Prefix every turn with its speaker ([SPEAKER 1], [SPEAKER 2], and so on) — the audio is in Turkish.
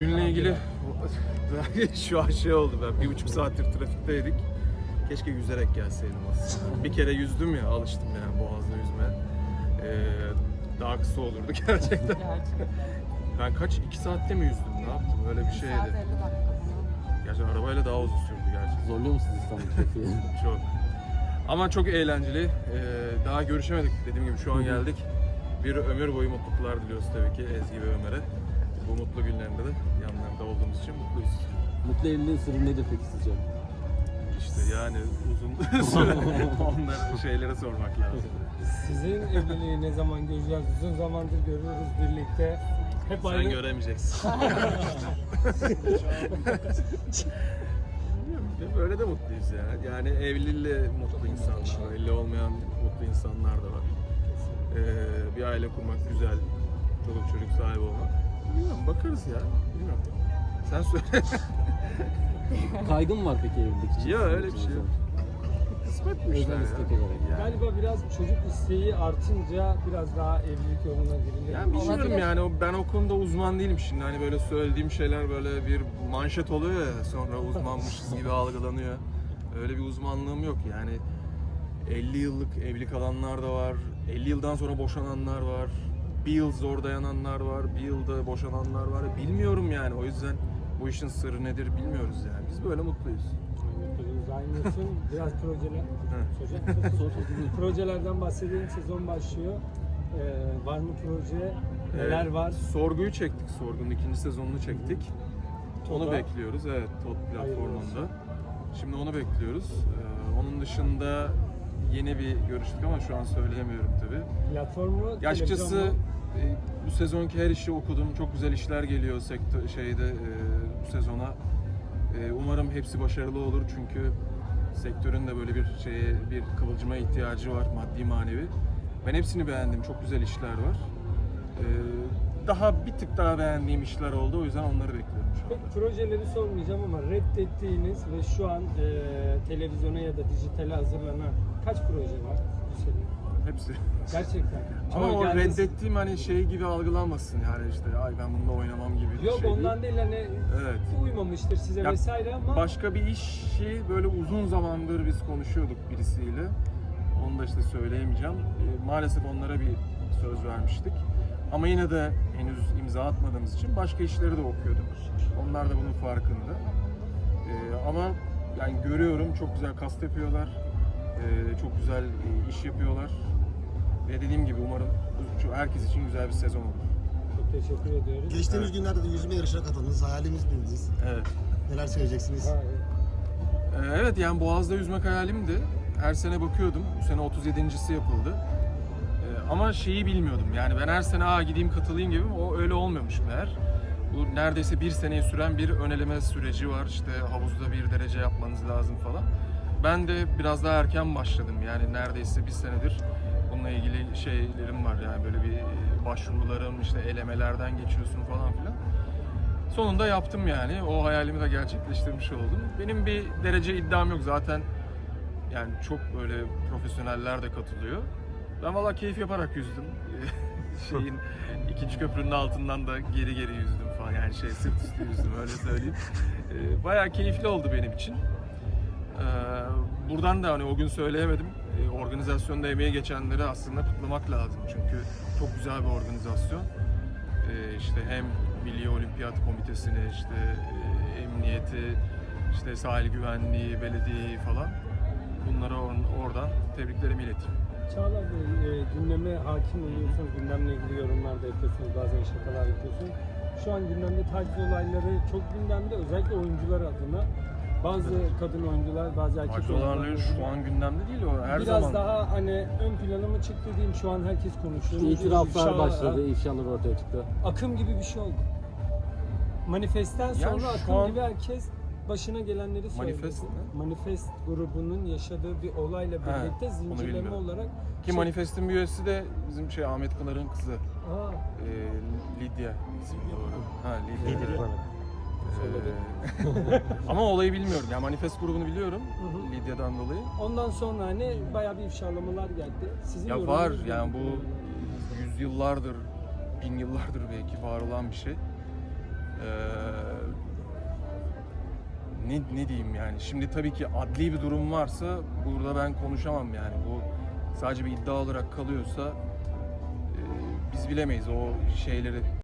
[SPEAKER 1] Günle ilgili şu an şey oldu, ben 1,5 saattir trafikteydik. Keşke yüzerek gelseydim aslında. Bir kere yüzdüm ya, alıştım yani Boğaz'da yüzmeye. Daha kısa olurdu gerçekten. Ben kaç, 2 saatte mi yüzdüm, ne yaptım, öyle bir şeydi.
[SPEAKER 2] 1 saat 50 dakika.
[SPEAKER 1] Gerçi arabayla daha uzun sürdü gerçekten.
[SPEAKER 3] Zorluyor musunuz İstanbul trafiği?
[SPEAKER 1] Çok. Ama çok eğlenceli. Daha görüşemedik, dediğim gibi şu an geldik. Bir ömür boyu mutluluklar diliyoruz tabii ki Ezgi ve Ömer'e. Bu mutlu günlerinde de yanlarında olduğumuz için mutluyuz.
[SPEAKER 3] Mutlu evliliğin sırrı nedir peki sizce?
[SPEAKER 1] İşte yani uzun süre onları şeylere sormak lazım.
[SPEAKER 4] Sizin evliliği ne zaman göreceğiz? Uzun zamandır görüyoruz birlikte. Hep
[SPEAKER 1] Sen
[SPEAKER 4] aynı.
[SPEAKER 1] göremeyeceksin. Bilmiyorum, böyle de mutluyuz ya. Yani evliliğiyle mutlu insanlar, evli olmayan mutlu insanlar da var. Bir aile kurmak güzel, çoluk çocuk sahibi olmak. Bilmiyorum, bakarız ya. Bilmiyorum. Sen söyle.
[SPEAKER 3] Kaygı mı var peki evlilik için?
[SPEAKER 1] Ya öyle bir şey yok. Kısmet bu işler
[SPEAKER 3] Özel
[SPEAKER 1] ya.
[SPEAKER 3] istek olarak.
[SPEAKER 1] Yani.
[SPEAKER 4] Galiba biraz çocuk isteği artınca biraz daha evlilik yoluna girilir.
[SPEAKER 1] Yani bilmiyorum
[SPEAKER 2] Olabilir.
[SPEAKER 1] yani ben o konuda uzman değilim şimdi, hani böyle söylediğim şeyler böyle bir manşet oluyor ya, sonra uzmanmışız gibi algılanıyor. Öyle bir uzmanlığım yok yani. 50 yıllık evli kalanlar da var, 50 yıldan sonra boşananlar var, bir yıl zor dayananlar var, bir yılda boşananlar var. Bilmiyorum yani, o yüzden bu işin sırrı nedir bilmiyoruz yani. Biz böyle mutluyuz.
[SPEAKER 4] Aynısın. Biraz projeler. Projelerden bahsedelim. Sezon başlıyor. Var mı proje? Neler var?
[SPEAKER 1] Sorguyu çektik, Sorgu'nun 2. sezonunu çektik. Onu
[SPEAKER 4] Toda.
[SPEAKER 1] bekliyoruz, evet, TOD platformunda.
[SPEAKER 4] olsun.
[SPEAKER 1] Şimdi onu bekliyoruz. Onun dışında yeni bir görüştük ama şu an söyleyemiyorum tabii.
[SPEAKER 4] Platformu,
[SPEAKER 1] Ya açıkçası
[SPEAKER 4] televizyon mu?
[SPEAKER 1] bu sezonki her işi okudum. Çok güzel işler geliyor bu sezona. Umarım hepsi başarılı olur çünkü sektörün de böyle bir kıvılcıma ihtiyacı var, maddi manevi. Ben hepsini beğendim. Çok güzel işler var. Daha bir tık daha beğendiğim işler oldu. O yüzden onları bekliyorum şu anda.
[SPEAKER 4] Peki projeleri sormayacağım ama reddettiğiniz ve şu an televizyona ya da dijitale hazırlanan kaç proje var bu sene?
[SPEAKER 1] Hepsi.
[SPEAKER 4] Gerçekten.
[SPEAKER 1] Ama o
[SPEAKER 4] geldi-
[SPEAKER 1] reddettiğim hani şey gibi algılanmasın yani, işte ay ben bununla oynamam gibi bir
[SPEAKER 4] Yok
[SPEAKER 1] şey
[SPEAKER 4] ondan
[SPEAKER 1] değil.
[SPEAKER 4] değil hani
[SPEAKER 1] Evet.
[SPEAKER 4] uymamıştır size
[SPEAKER 1] Ya,
[SPEAKER 4] vesaire ama
[SPEAKER 1] Başka bir işi böyle uzun zamandır biz konuşuyorduk birisiyle. Onu da işte söyleyemeyeceğim. Maalesef onlara bir söz vermiştik. Ama yine de henüz imza atmadığımız için başka işleri de okuyorduk. Onlar da bunun farkında. Ama yani görüyorum, çok güzel kast yapıyorlar. Çok güzel iş yapıyorlar. Ve dediğim gibi umarım herkes için güzel bir sezon olur.
[SPEAKER 4] çok teşekkür ediyoruz.
[SPEAKER 5] Geçtiğimiz günlerde de yüzme yarışına katıldınız. Hayalimiz bildiniz.
[SPEAKER 1] Evet.
[SPEAKER 5] Neler söyleyeceksiniz?
[SPEAKER 4] Ha,
[SPEAKER 1] Evet, yani Boğaz'da yüzmek hayalimdi. Her sene bakıyordum. Bu sene 37.si yapıldı. Ama şeyi bilmiyordum. Yani ben her sene gideyim katılayım gibi, o öyle olmuyormuş meğer. Bu neredeyse bir seneyi süren bir ön eleme süreci var. İşte havuzda 1 derece yapmanız lazım falan. Ben de biraz daha erken başladım. Yani neredeyse bir senedir bununla ilgili şeylerim var. Yani böyle bir başvurularım, işte elemelerden geçiyorsun falan filan. Sonunda yaptım yani. O hayalimi de gerçekleştirmiş oldum. Benim bir derece iddiam yok zaten. Yani çok böyle profesyoneller de katılıyor. Ben valla keyif yaparak yüzdüm. ikinci köprünün altından da geri yüzdüm falan. Yani sırt üstü yüzdüm, öyle söyleyeyim. Bayağı keyifli oldu benim için. Buradan da hani o gün söyleyemedim. Organizasyonda emeği geçenleri aslında kutlamak lazım. Çünkü çok güzel bir organizasyon. İşte hem Milli Olimpiyat Komitesi'ni, emniyeti, sahil güvenliği, belediyeyi falan, bunlara oradan tebriklerimi ileteyim.
[SPEAKER 4] Çağlar Bey, gündeme hakim oluyorsunuz, gündemle ilgili yorumlar da yapıyorsunuz, bazen şakalar yapıyorsunuz. Şu an gündemde taciz olayları çok gündemde, özellikle oyuncular adına. Bazı kadın oyuncular, bazı erkek
[SPEAKER 1] Taciz
[SPEAKER 4] oyuncular.
[SPEAKER 1] olayları şu an gündemde değil, o her
[SPEAKER 4] Biraz
[SPEAKER 1] zaman.
[SPEAKER 4] daha hani ön plana mı çıktı diyeyim, şu an herkes konuşuyor.
[SPEAKER 3] İtiraflar
[SPEAKER 4] İfşa-
[SPEAKER 3] başladı, ifşalar ortaya çıktı.
[SPEAKER 4] Akım gibi bir şey oldu. Manifestten sonra
[SPEAKER 1] şu
[SPEAKER 4] akım
[SPEAKER 1] an-
[SPEAKER 4] gibi herkes başına gelenleri söyledi.
[SPEAKER 1] Manifest ne?
[SPEAKER 4] Manifest grubunun yaşadığı bir olayla birlikte
[SPEAKER 1] onu
[SPEAKER 4] zincirleme
[SPEAKER 1] bilmiyorum.
[SPEAKER 4] olarak
[SPEAKER 1] Ki Manifest'in bir üyesi de bizim Ahmet Pınar'ın kızı.
[SPEAKER 4] Aa,
[SPEAKER 1] Lidya ismi doğru. Ha, Lidya.
[SPEAKER 3] Lidya.
[SPEAKER 1] Ama olayı bilmiyorum. Yani Manifest grubunu biliyorum.
[SPEAKER 4] hı.
[SPEAKER 1] Lidya'dan dolayı.
[SPEAKER 4] ondan sonra hani bayağı bir ifşalamalar geldi. Sizin
[SPEAKER 1] Ya
[SPEAKER 4] yorumunuz
[SPEAKER 1] var
[SPEAKER 4] nedir?
[SPEAKER 1] yani, bu yüzyıllardır, bin yıllardır belki var olan bir şey. Ne diyeyim yani. Şimdi tabii ki adli bir durum varsa burada ben konuşamam yani. Bu sadece bir iddia olarak kalıyorsa biz bilemeyiz o şeyleri.